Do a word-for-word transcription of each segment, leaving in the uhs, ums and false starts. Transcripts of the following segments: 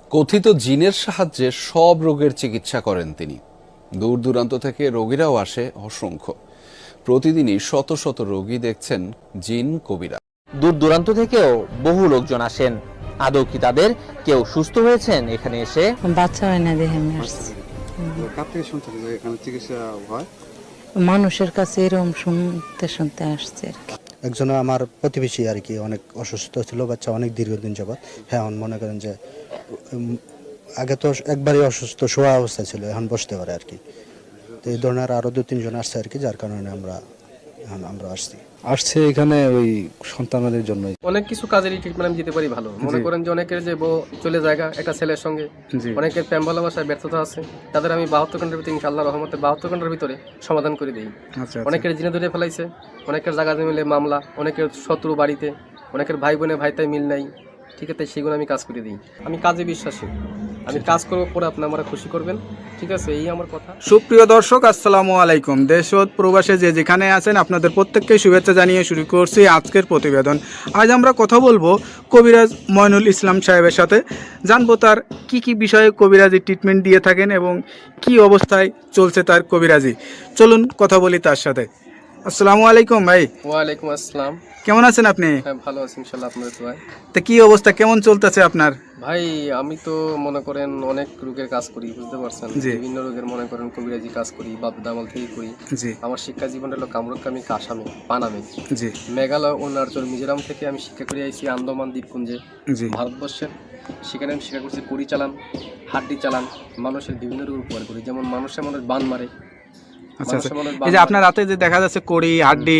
কথিত জিনের সাহায্যে সব রোগের চিকিৎসা করেন তিনি। দূর দূরান্ত থেকে রোগীরাও আসে অসংখ্য। প্রতিদিনই শত শত রোগী দেখছেন জিন কবিরা। দূর দূরান্ত থেকেও বহু লোকজন আসেন। আদৌ কি তাদের কেউ সুস্থ হয়েছেন এখানে এসে? বাচ্চা হয় না দেখে আমি আসছি। কার থেকে শুনছেন যে এখানে চিকিৎসা হয়? মানুষের কাছে এরকম শুনতে শুনতে আসছে আর কি। একজন আমার প্রতিবেশী আর কি অনেক অসুস্থ ছিল, বাচ্চা অনেক দীর্ঘদিন যাবৎ। হ্যাঁ, এখন মনে করেন যে উম, আগে তো একবারই অসুস্থ শোয়া অবস্থায় ছিল, এখন বসতে পারে আর কি। তো এই ধরনের আরো দু তিনজন আসছে আর কি, যার কারণে আমরা এখন আমরা আসছি আসছে এখানে ওই সন্তানদের জন্য। অনেক কিছু কাজেরই ট্রিটমেন্ট আমি দিতে পারি ভালো। মনে করেন যে অনেকের যে বউ চলে জায়গা একটা ছেলের সঙ্গে, অনেকের প্রেম ভালোবাসায় ব্যর্থতা আছে, তাদের আমি বাহাত্তর ঘন্টার ভিতরে ইনশাআল্লাহ রহমতে বাহাত্তর ঘন্টার ভিতরে সমাধান করে দিই। অনেকের জিনে ধরে ফেলাইছে, অনেকের জায়গা মিলে মামলা, অনেকের শত্রু বাড়িতে, অনেকের ভাই বোনে ভাইতাই মিল নাই, ঠিক আছে, সেগুলো আমি কাজ করে দিই। আমি কাজে বিশ্বাসী, আমি কাজ করবো পরে আপনি আমরা খুশি করবেন, ঠিক আছে, এই আমার কথা। সুপ্রিয় দর্শক, আসসালামু আলাইকুম। দেশ ও প্রবাসে যে যেখানে আছেন আপনাদের প্রত্যেককে শুভেচ্ছা জানিয়ে শুরু করছি আজকের প্রতিবেদন। আজ আমরা কথা বলবো কবিরাজ ময়নুল ইসলাম সাহেবের সাথে, জানবো তার কি কি বিষয়ে কবিরাজি ট্রিটমেন্ট দিয়ে থাকেন এবং কি অবস্থায় চলছে তার কবিরাজি। চলুন কথা বলি তার সাথে। আসসালামু আলাইকুম ভাই। ওয়ালাইকুম আসসালাম। কেমন আছেন আপনি? হ্যাঁ, ভালো আছি ইনশাআল্লাহ, আপনাদের দোয়ায়। তা কি অবস্থা, কেমন চলতেছে আপনার? ভাই আমি তো মনে করেন অনেক রোগের কাজ করি, বুঝতে পারছেন, বিভিন্ন রোগের মনে করেন কবিরাজি কাজ করি, বাপ দামাল থেকে করি। আমার শিক্ষা জীবন হলো কামরুকামি, কাসামে, পানামে, জি, মেঘালয়, অরুণাচল, মিজোরাম থেকে আমি শিক্ষা করে আইছি আন্দামান দ্বীপপুঞ্জে, ভারতবর্ষের। সেখানে আমি শিক্ষা করছি কড়ি চালান, হাড্ডি চালান, মানুষের বিভিন্ন রোগ উপকার করি। যেমন মানুষের মানুষ বান মারে। আচ্ছা আচ্ছা, এই যে আপনার রাতে যে দেখা যাচ্ছে কড়ি হাড্ডি,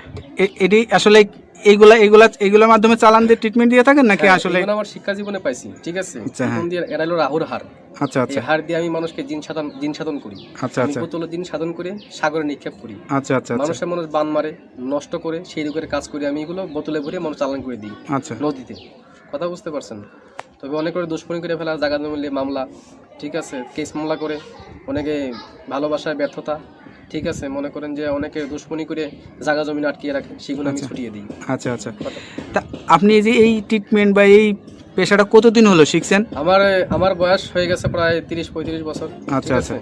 এটি আসলে এইগুলা এইগুলা এইগুলোর মাধ্যমে চালান দিয়ে ট্রিটমেন্ট দিয়ে থাকেন নাকি? আসলে আমার শিক্ষা জীবনে পাইছি, ঠিক আছে। আচ্ছা, হ্যাঁ। দিয়ে এরা হলো রাহুর হার। আচ্ছা আচ্ছা, এই হার দিয়ে আমি মানুষকে জিন সাধন জিন সাধন করি। আচ্ছা আচ্ছা, বোতল জিন সাধন করে সাগরে নিক্ষেপ করি। আচ্ছা আচ্ছা, মানুষের মানুষ বান মারে, নষ্ট করে, সেই রোগের কাজ করি আমি। এগুলো বোতলে ভরে মানুষ চালান করে দিই আচ্ছা নদীতে। কথা বুঝতে পারছেন? তবে অনেক করে দুশ্মনী করে ফেলা, জায়গা মিলে মামলা, ঠিক আছে, কেস মামলা করে, অনেকে ভালোবাসায় ব্যর্থতা, ঠিক আছে, মনে করেন যে অনেকে দুশ্মনী করে জায়গা জমি আটকিয়ে রাখে, সেগুলো আমি ছুটিয়ে দিই। আচ্ছা আচ্ছা, তা আপনি যে এই ট্রিটমেন্ট বা এই পেশাটা কতদিন হলো শিখছেন? আমার আমার বয়স হয়ে গেছে প্রায় তিরিশ পঁয়ত্রিশ বছর। আচ্ছা আচ্ছা,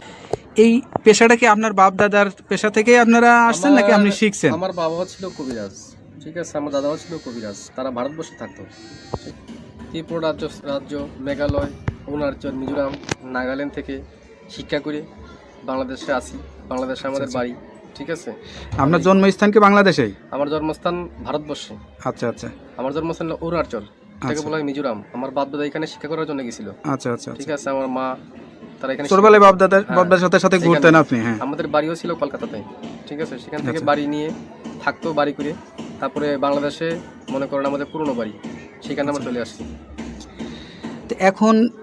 এই পেশাটা কি আপনার বাপ দাদার পেশা থেকেই আপনারা আসছেন নাকি আপনি শিখছেন? আমার বাবাও ছিল কবিরাজ, ঠিক আছে, আমার দাদাও ছিল কবিরাজ। তারা ভারতবর্ষে থাকতো, ত্রিপুরা রাজ্য রাজ্য মেঘালয়, অরুণাচল, মিজোরাম, নাগাল্যান্ড থেকে শিক্ষা করে বাংলাদেশে আসি। বাংলাদেশে আমাদের বাড়ি, ঠিক আছে। আপনার জন্মস্থান কি বাংলাদেশেই? আমার জন্মস্থান ভারতবর্ষে। আচ্ছা আচ্ছা, আমার জন্মস্থান হলো অরুণাচল, এটাকে বলা হয় মিজোরাম। আমার বাপ দাদা এখানে শিক্ষা করার জন্য গেছিল। আচ্ছা আচ্ছা, ঠিক আছে, আমার মা তারা এখানে ছোটবেলায় বাপ দাদার বাপ দাদার সাথে সাথে ঘুরতেন আপনি? হ্যাঁ, আমাদের বাড়িও ছিল কলকাতাতে, ঠিক আছে। সেখান থেকে বাড়ি নিয়ে থাকতো, বাড়ি করে তারপরে বাংলাদেশে মনে করেন আমাদের পুরনো বাড়ি, সেখানে আমরা চলে আসছি। এখন